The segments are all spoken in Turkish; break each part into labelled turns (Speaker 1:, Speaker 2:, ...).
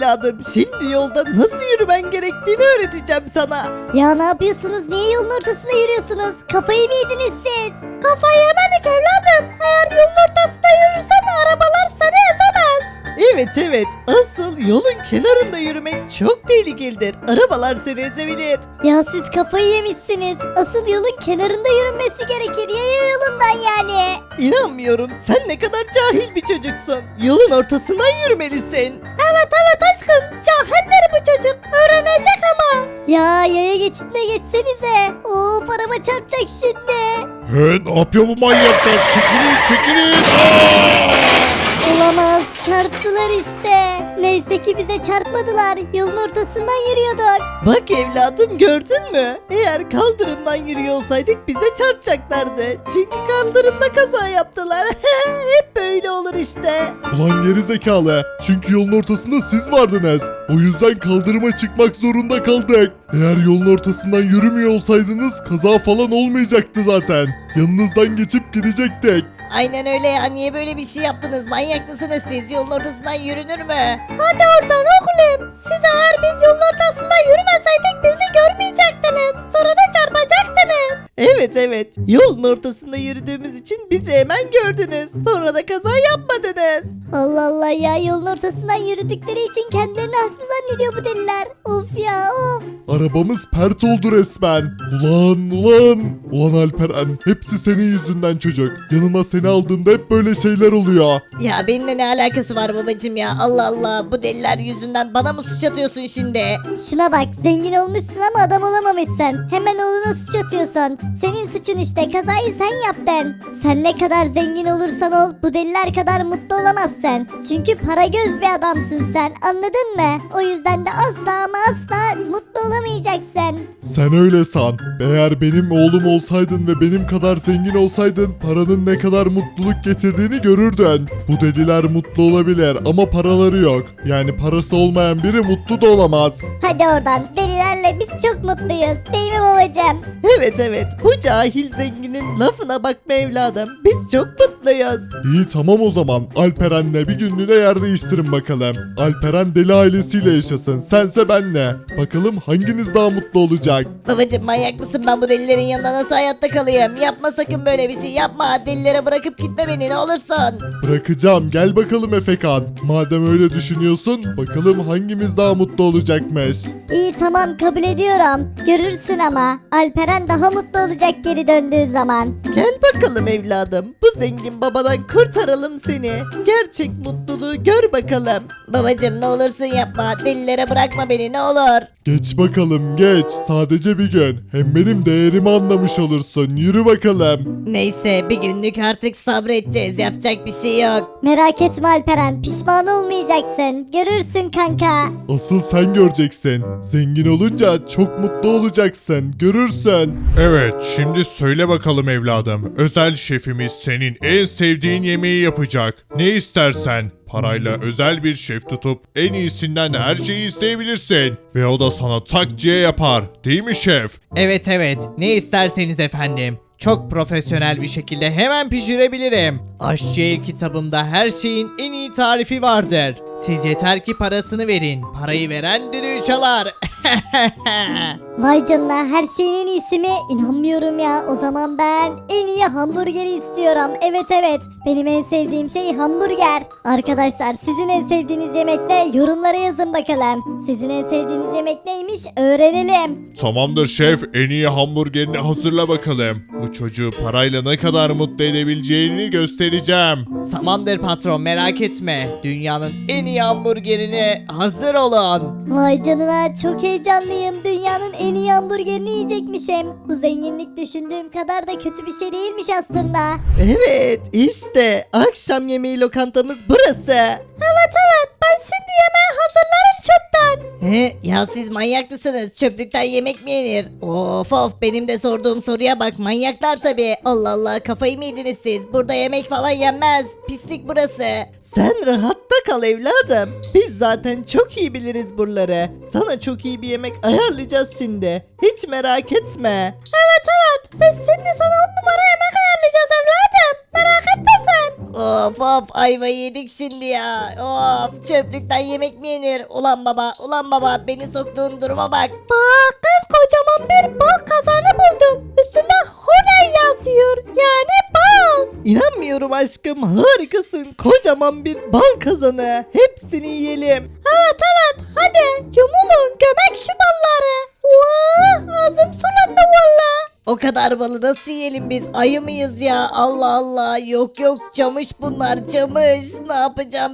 Speaker 1: evladım. Şimdi yolda nasıl yürümen gerektiğini öğreteceğim sana.
Speaker 2: Ya ne yapıyorsunuz? Niye yolun ortasında yürüyorsunuz? Kafayı mı yediniz siz? Kafayı yemedik evladım. Eğer yolun ortasında yürürsen arabalar seni ezemez.
Speaker 1: Evet, asıl yolun kenarında yürümek çok tehlikelidir. Arabalar seni ezebilir.
Speaker 2: Ya siz kafayı yemişsiniz. Asıl yolun kenarında yürünmesi gerekir. Yaya yolundan yani.
Speaker 1: İnanmıyorum, sen ne kadar cahil bir çocuksun. Yolun ortasından yürümelisin.
Speaker 2: Evet aşkım. Cahildir bu çocuk. Öğrenecek ama. Ya yaya geçitine geçsenize. Of araba çarpacak şimdi.
Speaker 3: He, ne yapıyor bu manyaklar? Çekilin.
Speaker 2: Olamaz. Çarptılar işte. Neyse ki bize çarpmadılar. Yolun ortasından yürüyorduk.
Speaker 1: Bak evladım, gördün mü? Eğer kaldırımdan yürüyor olsaydık bize çarpacaklardı. Çünkü kaldırımda kaza yaptılar. Hep böyle olur işte.
Speaker 3: Ulan geri zekalı. Çünkü yolun ortasında siz vardınız. O yüzden kaldırıma çıkmak zorunda kaldık. Eğer yolun ortasından yürümüyor olsaydınız kaza falan olmayacaktı zaten. Yanınızdan geçip gidecektik.
Speaker 1: Aynen öyle ya, niye böyle bir şey yaptınız? Manyak mısınız siz? Yolun ortasından yürünür mü?
Speaker 2: Hadi oradan oğlum. Siz eğer biz yolun ortasında yürümeseydik bizi görmeyecektiniz. Sonra da çarpacaktınız.
Speaker 1: Evet, yolun ortasında yürüdüğümüz için bizi hemen gördünüz. Sonra da kaza yapmadınız.
Speaker 2: Allah Allah ya yolun ortasından yürüdükleri için kendilerini haklı zannediyor bu deliler. Of ya of.
Speaker 3: Arabamız pert oldu resmen. Ulan Alperen, hepsi senin yüzünden çocuk. Yanıma seni aldığımda hep böyle şeyler oluyor.
Speaker 1: Ya benimle ne alakası var babacım ya? Allah Allah, bu deliler yüzünden bana mı suç atıyorsun şimdi?
Speaker 2: Şuna bak zengin olmuşsun ama adam olamamışsın. Hemen oğluna suç atıyorsun. Senin suçun işte kazayı sen yaptın. Sen ne kadar zengin olursan ol bu deliler kadar mutlu olamazsın. Çünkü para göz bir adamsın sen, anladın mı? O yüzden de asla ama asla mutlu olamayacaksın.
Speaker 3: Sen öyle san. Eğer benim oğlum olsaydın ve benim kadar zengin olsaydın paranın ne kadar mutluluk getirdiğini görürdün. Bu deliler mutlu olabilir ama paraları yok. Yani parası olmayan biri mutlu da olamaz.
Speaker 2: Hadi oradan, delilerle biz çok mutluyuz değil mi babacığım?
Speaker 1: Evet, bu cahil zenginin lafına bakma evladım. Biz çok mutluyuz.
Speaker 3: İyi tamam o zaman. Alperen'le bir günlüğüne yer değiştirin bakalım. Alperen deli ailesiyle yaşasın. Sense benle. Bakalım hanginiz daha mutlu olacak?
Speaker 1: Babacım manyak mısın? Ben bu delilerin yanında nasıl hayatta kalayım? Yapma sakın böyle bir şey, yapma. Delilere bırakıp gitme beni, ne olursun.
Speaker 3: Bırakacağım. Gel bakalım Efekan. Madem öyle düşünüyorsun, bakalım hangimiz daha mutlu olacakmış.
Speaker 2: İyi tamam kabul ediyorum. Görürsün ama Alperen daha mutlu olacak geri döndüğü zaman.
Speaker 1: Gel bakalım evladım. Bu zengin babadan kurtaralım seni. Gerçek mutluluğu gör bakalım. Babacım ne olursun yapma. Delilere bırakma beni, ne olur.
Speaker 3: Geç bakalım geç. Sadece bir gün. Hem benim değerimi anlamış olursun. Yürü bakalım.
Speaker 1: Neyse, bir günlük artık sabredeceğiz. Yapacak bir şey yok.
Speaker 2: Merak etme Alperen, pişman olmayacaksın. Görürsün kanka.
Speaker 3: Asıl sen göreceksin. Zengin olunca çok mutlu olacaksın. Görürsün. Evet, şimdi söyle bakalım evladım. Özel şefimiz senin en sevdiğin yemeği yapacak. Ne istersen. Parayla özel bir şef tutup en iyisinden her şeyi isteyebilirsin. Ve o da sana tak diye yapar. Değil mi şef?
Speaker 4: Evet, ne isterseniz efendim. Çok profesyonel bir şekilde hemen pişirebilirim. Aşçı El kitabımda her şeyin en iyi tarifi vardır. Siz yeter ki parasını verin. Parayı veren düdüğü çalar.
Speaker 2: Vay canına, her şeyin en iyisi mi? İnanmıyorum ya. O zaman ben en iyi hamburgeri istiyorum. Evet benim en sevdiğim şey hamburger. Arkadaşlar sizin en sevdiğiniz yemek ne? Yorumlara yazın bakalım. Sizin en sevdiğiniz yemek neymiş? Öğrenelim.
Speaker 3: Tamamdır şef, en iyi hamburgerini hazırla bakalım. Bu çocuğu parayla ne kadar mutlu edebileceğini göstereceğim.
Speaker 4: Tamamdır patron, merak etme. Dünyanın en iyi hamburgerine hazır olun.
Speaker 2: Vay canına, çok heyecanlıyım. Dünyanın en iyi hamburgerini yiyecekmişim. Bu zenginlik düşündüğüm kadar da kötü bir şey değilmiş aslında.
Speaker 1: Evet, işte akşam yemeği lokantamız burası.
Speaker 2: Evet ben şimdi yemeği hazırlarım çöpten.
Speaker 1: Ya siz manyak mısınız? Çöplükten yemek mi yenir? Of, benim de sorduğum soruya bak, manyaklar tabii. Allah Allah, kafayı mı yediniz siz? Burada yemek falan yenmez. Pislik burası. Sen rahatta kal evladım. Biz zaten çok iyi biliriz buraları. Sana çok iyi bir yemek ayarlayacağız şimdi. Hiç merak etme.
Speaker 2: Evet biz şimdi sana 10 numara yemek ayarlayacağız evladım. Merak etme sen.
Speaker 1: Of ayvayı yedik şimdi ya. Of çöplükten yemek mi yenir? Ulan baba beni soktuğun duruma bak.
Speaker 2: Bakın kocaman bir bal kazanı buldum. Üstünde Honey yazıyor. Yani bal.
Speaker 4: İnanmıyorum aşkım, harikasın. Kocaman bir bal kazanı. Hepsini yiyelim.
Speaker 2: Evet hadi yumulun gömek şu balları. Ağzım sulandı valla.
Speaker 1: O kadar balı nasıl yiyelim biz? Ayı mıyız ya? Allah Allah. Yok camış bunlar camış. Ne yapacağım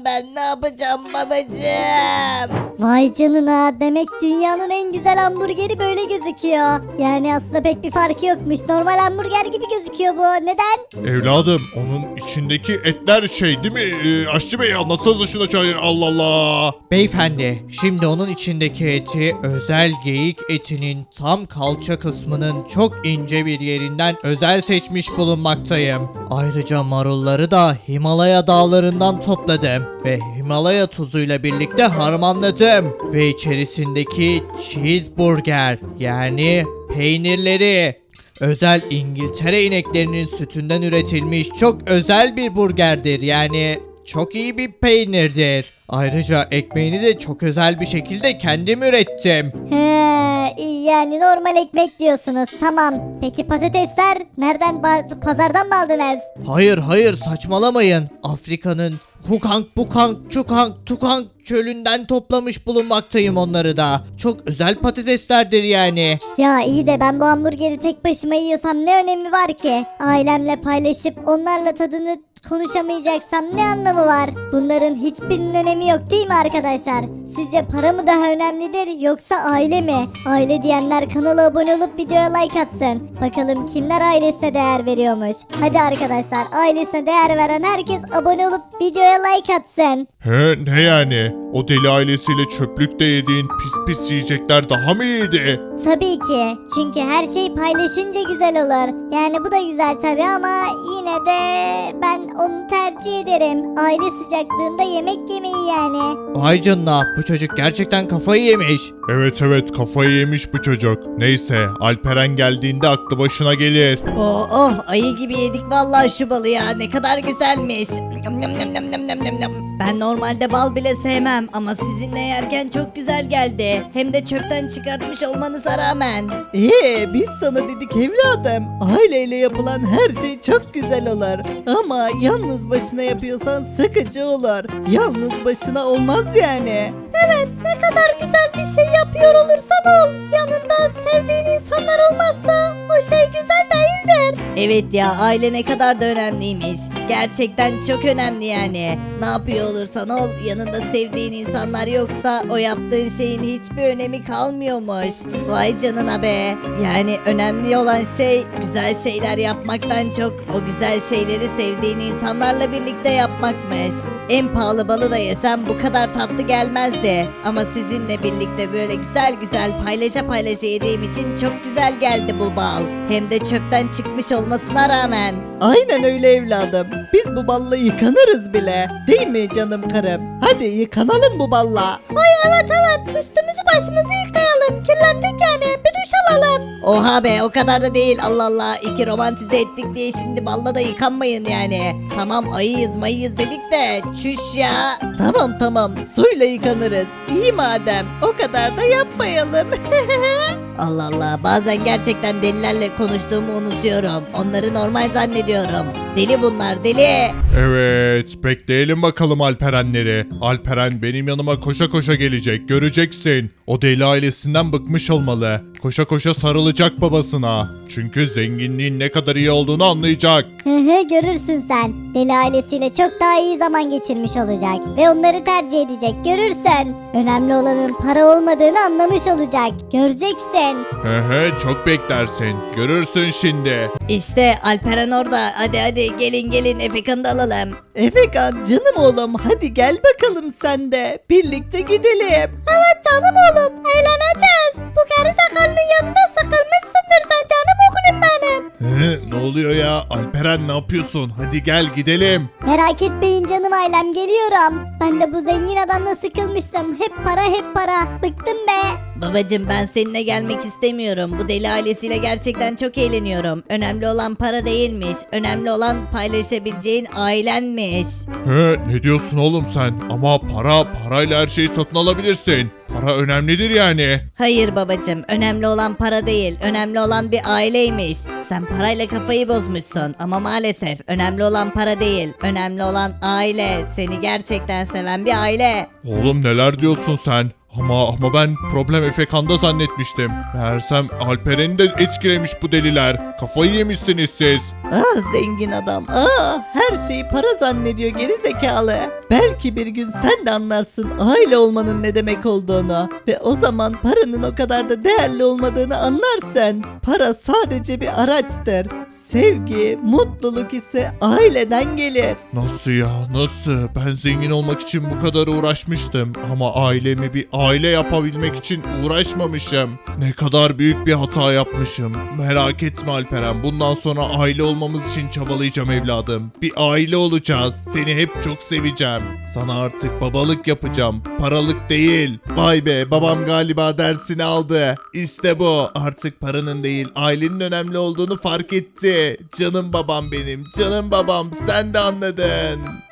Speaker 1: babacığım?
Speaker 2: Vay canına, demek dünyanın en güzel hamburgeri böyle gözüküyor. Yani aslında pek bir farkı yokmuş. Normal hamburger gibi gözüküyor bu. Neden?
Speaker 3: Evladım onun içindeki etler şey değil mi? Aşçı bey anlatsanıza şuna çay. Allah Allah.
Speaker 4: Beyefendi, şimdi onun içindeki eti özel geyik etinin tam kalça kısmının çok ince bir yerinden özel seçmiş bulunmaktayım. Ayrıca marulları da Himalaya dağlarından topladım ve Himalaya tuzuyla birlikte harmanladım. Ve içerisindeki cheeseburger yani peynirleri özel İngiltere ineklerinin sütünden üretilmiş çok özel bir burgerdir. Yani çok iyi bir peynirdir. Ayrıca ekmeğini de çok özel bir şekilde kendim ürettim.
Speaker 2: He, iyi yani normal ekmek diyorsunuz. Tamam. Peki patatesler nereden pazardan mı aldınız?
Speaker 4: Hayır saçmalamayın. Afrika'nın Hukang, Bukang, Çukang, Tukang çölünden toplamış bulunmaktayım onları da. Çok özel patateslerdir yani.
Speaker 2: Ya iyi de ben bu hamburgeri tek başıma yiyorsam ne önemi var ki? Ailemle paylaşıp onlarla tadını konuşamayacaksam ne anlamı var? Bunların hiçbirinin önemi yok değil mi arkadaşlar? Sizce para mı daha önemlidir yoksa aile mi? Aile diyenler kanala abone olup videoya like atsın. Bakalım kimler ailesine değer veriyormuş. Hadi arkadaşlar, ailesine değer veren herkes abone olup videoya like atsın.
Speaker 3: He ne yani? O deli ailesiyle çöplükte yediğin pis yiyecekler daha mı iyiydi?
Speaker 2: Tabii ki. Çünkü her şey paylaşınca güzel olur. Yani bu da güzel tabii ama yine de ben onu tercih ederim. Aile sıcaklığında yemek yemeyi yani.
Speaker 4: Vay canına, bu çocuk gerçekten kafayı yemiş.
Speaker 3: Evet kafayı yemiş bu çocuk. Neyse Alperen geldiğinde aklı başına gelir.
Speaker 1: Ayı gibi yedik vallahi şu balı ya. Ne kadar güzelmiş. Ben normalde bal bile sevmem ama sizinle yerken çok güzel geldi. Hem de çöpten çıkartmış olmanıza rağmen.
Speaker 5: Biz sana dedik evladım. Aileyle yapılan her şey çok güzel olur. Ama yalnız başına yapıyorsan sıkıcı olur. Yalnız başına olmaz yani.
Speaker 2: Evet, ne kadar güzel bir şey yapıyor olursan ol. Yanında sevdiğin insanlar olmazsa o şey güzel değildir.
Speaker 1: Evet ya, aile ne kadar da önemliymiş. Gerçekten çok önemli yani. Ne yapıyor olursan ol, yanında sevdiğin insanlar yoksa o yaptığın şeyin hiçbir önemi kalmıyormuş. Vay canına be. Yani önemli olan şey güzel şeyler yapmaktan çok o güzel şeyleri sevdiğin insanlarla birlikte yapmakmış. En pahalı balı da yesem bu kadar tatlı gelmezdi. Ama sizinle birlikte böyle güzel paylaşa yediğim için çok güzel geldi bu bal. Hem de çöpten çıkmış olmasına rağmen.
Speaker 5: Aynen öyle evladım. Biz bu balla yıkanırız bile. Değil mi canım karım? Hadi yıkanalım bu balla.
Speaker 2: Ay evet üstümüzü başımızı yıkayalım. Kirlendik yani, bir duş alalım.
Speaker 1: Oha be, o kadar da değil. Allah Allah, iki romantize ettik diye şimdi balla da yıkanmayın yani. Tamam ayıyız mayıyız dedik de çüş ya.
Speaker 5: Tamam suyla yıkanırız. İyi madem, o kadar da yapmayalım.
Speaker 1: Allah Allah, bazen gerçekten delilerle konuştuğumu unutuyorum. Onları normal zannediyorum. Deli bunlar, deli.
Speaker 3: Evet bekleyelim bakalım Alperenleri. Alperen benim yanıma koşa gelecek, göreceksin. O deli ailesinden bıkmış olmalı. Koşa sarılacak babasına. Çünkü zenginliğin ne kadar iyi olduğunu anlayacak.
Speaker 2: Görürsün sen. Deli ailesiyle çok daha iyi zaman geçirmiş olacak. Ve onları tercih edecek, görürsen. Önemli olanın para olmadığını anlamış olacak. Göreceksin.
Speaker 3: Çok beklersin. Görürsün şimdi.
Speaker 1: İşte Alperen orada. Hadi gelin Efekan'ı da alalım.
Speaker 5: Efekan canım oğlum, hadi gel bakalım sen de. Birlikte gidelim.
Speaker 2: Evet canım oğlum, eğleneceğiz. Bu gerizekalının yanında sıkılmışsındır sen canım oğlum benim.
Speaker 3: Ne oluyor ya? Alperen ne yapıyorsun? Hadi gel gidelim.
Speaker 2: Merak etmeyin canım ailem, geliyorum. Ben de bu zengin adamla sıkılmıştım. Hep para. Bıktım be.
Speaker 1: Babacım ben seninle gelmek istemiyorum. Bu deli ailesiyle gerçekten çok eğleniyorum. Önemli olan para değilmiş. Önemli olan paylaşabileceğin ailenmiş.
Speaker 3: He, ne diyorsun oğlum sen? Ama parayla her şeyi satın alabilirsin. Para önemlidir yani.
Speaker 1: Hayır babacım, önemli olan para değil, önemli olan bir aileymiş. Sen parayla kafayı bozmuşsun ama maalesef önemli olan para değil, önemli olan aile. Seni gerçekten seven bir aile.
Speaker 3: Oğlum neler diyorsun sen? Ama ben problem Efekan'da zannetmiştim. Meğersem Alperen'i de etkilemiş bu deliler. Kafayı yemişsiniz siz.
Speaker 5: Zengin adam. Her şeyi para zannediyor geri zekalı. Belki bir gün sen de anlarsın aile olmanın ne demek olduğunu. Ve o zaman paranın o kadar da değerli olmadığını anlarsın. Para sadece bir araçtır. Sevgi, mutluluk ise aileden gelir.
Speaker 3: Nasıl ya nasıl? Ben zengin olmak için bu kadar uğraşmıştım. Ama ailemi bir aile yapabilmek için uğraşmamışım. Ne kadar büyük bir hata yapmışım. Merak etme Alperen. Bundan sonra aile olmamız için çabalayacağım evladım. Bir aile olacağız. Seni hep çok seveceğim. Sana artık babalık yapacağım. Paralık değil. Vay be babam galiba dersini aldı. İşte bu. Artık paranın değil ailenin önemli olduğunu fark etti. Canım babam benim. Canım babam sen de anladın.